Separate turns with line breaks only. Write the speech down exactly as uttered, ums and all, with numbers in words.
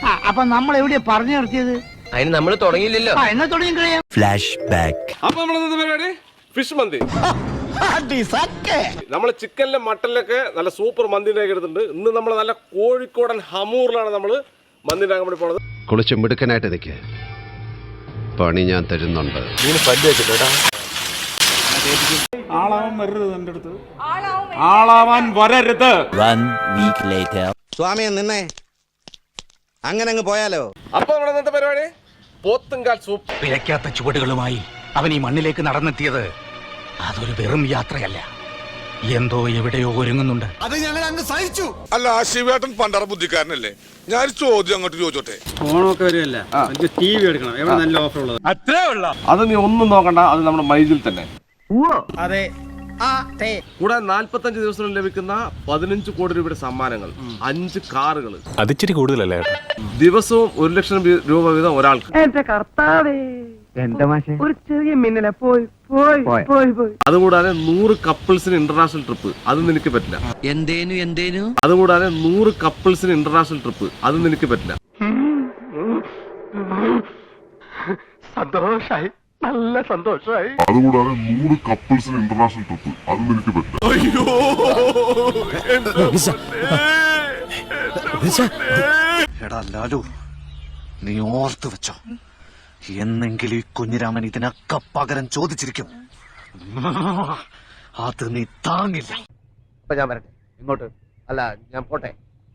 അപ്പൊ നമ്മൾ എവിടെയാ പറഞ്ഞു നിർത്തിയത്?
അതിന് നമ്മൾ തുടങ്ങിയില്ലല്ലോ.
എന്നാ തുടങ്ങി കഴിയാം.
Flash back.
അപ്പൊ നമ്മളെന്താ പരിപാടി? ഫിഷ് മന്തി. നമ്മള് ചിക്കനിലെ മട്ടനിലൊക്കെ നല്ല സൂപ്പർ മന്തി ഉണ്ടാക്കി എടുത്തിട്ടുണ്ട്. ഇന്ന് നമ്മൾ നല്ല കോഴിക്കോടൻ ഹമൂറിലാണ് നമ്മള് മന്തി ഉണ്ടാക്കാൻ വേണ്ടി പോണത്.
കുളിച്ച് മിടുക്കനായിട്ട് നിൽക്ക്, പണി ഞാൻ തരുന്നുണ്ട്.
ആളാവാൻ വരരുത് എന്റെ അടുത്ത്, ആളാവാൻ വരരുത്.
One week later.
സ്വാമിയെ നിന്നേ, അങ്ങനെ അങ്ങ് പോയാലോ.
അപ്പൊ നമ്മുടെ ഇന്നത്തെ പരിപാടി പോത്തുംകാൽ സൂപ്പ്.
പിഴയ്ക്കാത്ത ചുവടുകളുമായി അവൻ ഈ മണ്ണിലേക്ക് നടന്നെത്തിയത് അതൊരു വെറും യാത്രയല്ല, എന്തോ എവിടെയോ ഒരുങ്ങുന്നുണ്ട്.
അത് ഞങ്ങൾ അങ്ങ് സഹിച്ചു.
അല്ല, ആ ശിവേട്ടൻ പണ്ടറ ബുദ്ധിക്കാരനല്ലേ? ഞാൻ ചോദ്യം അങ്ങോട്ട് ചോദിച്ചോട്ടെ.
ഓണമൊക്കെ വരുമല്ല, ടി വി എടുക്കണം. എവിടെ നല്ല ഓഫർ ഉള്ളത്?
അത്രേ ഉള്ള. അത് നീ ഒന്നും നോക്കണ്ട, അത് നമ്മുടെ മൈജിൽ തന്നെ.
അതെ.
കൂടാതെ നാല്പത്തഞ്ച് ദിവസം ലഭിക്കുന്ന പതിനഞ്ച് കോടി രൂപയുടെ സമ്മാനങ്ങൾ, അഞ്ച് കാറുകൾ,
അതിച്ചിരി കൂടുതലല്ലേ?
ദിവസവും ഒരു ലക്ഷം രൂപ വീതം ഒരാൾക്ക്.
എന്റെ കർത്താവേ, എന്റെ മാഷെ ഒരു ചെറിയ മിന്നലെ പോയി പോയി പോയി പോയി.
അതുകൂടാതെ നൂറ് കപ്പിൾസിന് ഇന്റർനാഷണൽ ട്രിപ്പ്, അത് നിനക്ക് പറ്റില്ല.
എന്തേനു എന്തേനു
അതുകൂടാതെ നൂറ് കപ്പിൾസിന് ഇന്റർനാഷണൽ ട്രിപ്പ്, അത് നിനക്ക് പറ്റില്ല.
സന്തോഷായി, നല്ല സന്തോഷായി.
അതുകൂടാതെ നൂറ് കപ്പിൾസിന് ഇന്റർനാഷണൽ ട്രിപ്പ്, അത് നിനക്ക് പറ്റില്ല.
എടാ ലാലു, നീ ഓർത്തു വെച്ചോ, എന്നെങ്കിലും ഈ കുഞ്ഞിരാമൻ ഇതിനൊക്കെ പകരം ചോദിച്ചിരിക്കും. അത് നീ താങ്ങില്ല.
അപ്പൊ ഞാൻ വരട്ടെ. ഇങ്ങോട്ട് അല്ല, ഞാൻ പോട്ടെ.